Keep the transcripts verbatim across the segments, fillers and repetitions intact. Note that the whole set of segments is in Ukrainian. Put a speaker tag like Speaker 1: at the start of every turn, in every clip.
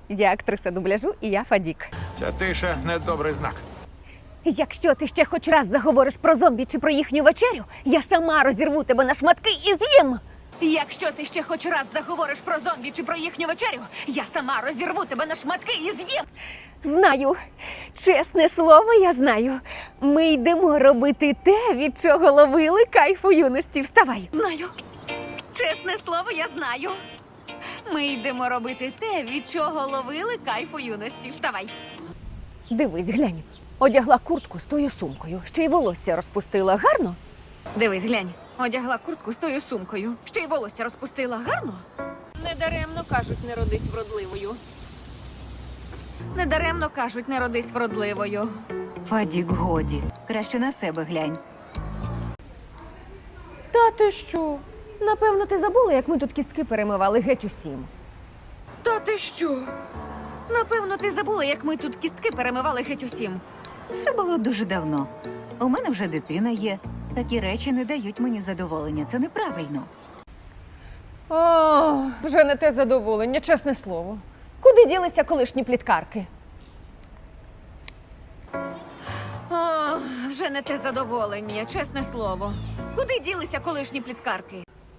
Speaker 1: Я актриса дубляжу і я Фадік.
Speaker 2: Ця тиша недобрий знак.
Speaker 1: Якщо ти ще хоч раз заговориш про зомбі чи про їхню вечерю, я сама розірву тебе на шматки і з'їм. Якщо ти ще хоч раз заговориш про зомбі чи про їхню вечерю, я сама розірву тебе на шматки і з'їм. Знаю, чесне слово, я знаю. Ми йдемо робити те, від чого ловили кайф у юності. Вставай. Знаю. Чесне слово, я знаю. Ми йдемо робити те, від чого ловили кайф у юності. Вставай. Дивись, глянь. Одягла куртку з тою сумкою. Ще й волосся розпустила. Гарно? Дивись, глянь. Одягла куртку з тою сумкою. Ще й волосся розпустила. Гарно? Недаремно кажуть, не родись вродливою. Недаремно кажуть, не родись вродливою.
Speaker 3: Фадік, годі. Краще на себе глянь.
Speaker 1: Та ти що? Напевно, ти забула, як ми тут кістки перемивали геть усім. Та ти що? Напевно, ти забула, як ми тут кістки перемивали геть усім.
Speaker 3: Це було дуже давно. У мене вже дитина є. Такі речі не дають мені задоволення. Це неправильно.
Speaker 1: О, вже не те задоволення, чесне слово. Куди ділися колишні пліткарки? О, вже не те задоволення, чесне слово. Куди ділися колишні пліткарки?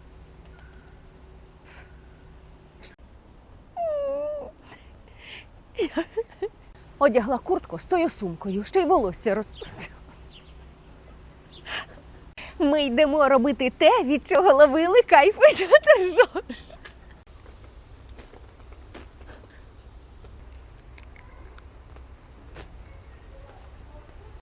Speaker 1: Одягла куртку з тою сумкою, ще й волосся розпустила. Ми йдемо робити те, від чого ловили кайф. Що ти ржеш?